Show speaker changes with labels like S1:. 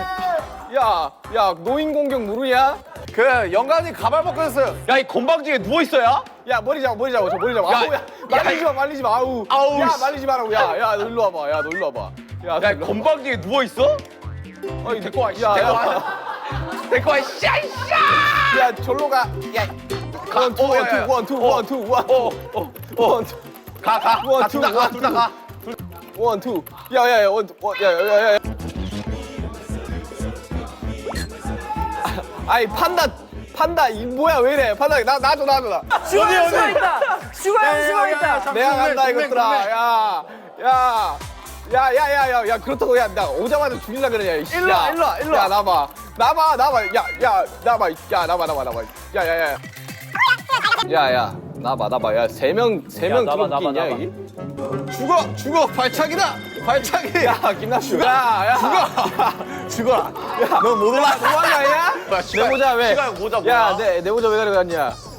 S1: 야, 노인 공격 모르냐?
S2: 그 영감님 가발 벗겼어요.
S3: 야, 이 건방지게 누워 있어야?
S1: 야, 머리 잡아, 저 머리 잡아. 아우, 야, 말리지 마, 아우.
S3: 아우,
S1: 야,
S3: 씨.
S1: 말리지 마라고. 야, 너 일로 와봐. 야, 너 일로 와봐. 야,
S3: 야, 건방지게 누워 있어?
S1: 어이,
S3: 데리고 와, 씨.
S1: 야,
S3: 데리고
S1: 야,
S3: 와. 데리고 와, 씨.
S1: 야, 절로 가. 야, 원, 투, 원, 투.
S3: 가, 둘 다 가.
S1: 원, 투. 야, 야. 아이, 판다, 이 뭐야, 왜 이래? 판다, 놔줘.
S4: 슈가 슈가 있다. 슈가 있다.
S1: 내가 간다, 이것들아. 야, 그렇다고, 야, 나 오자마자 죽일라 그러냐, 이씨.
S2: 일로 와.
S1: 야, 나봐. 야, 나봐. 야, 나봐. 야, 세 명 들어올 게 있냐, 여기?
S2: 죽어. 발차기다. 발차기.
S1: 야, 김남주. 야.
S2: 죽어라. 너 못 올라.
S1: 너무한 거 아니야? 내 모자 왜?
S3: 시간 모자 뭐야?
S1: 야, 내 모자 왜 가져갔냐?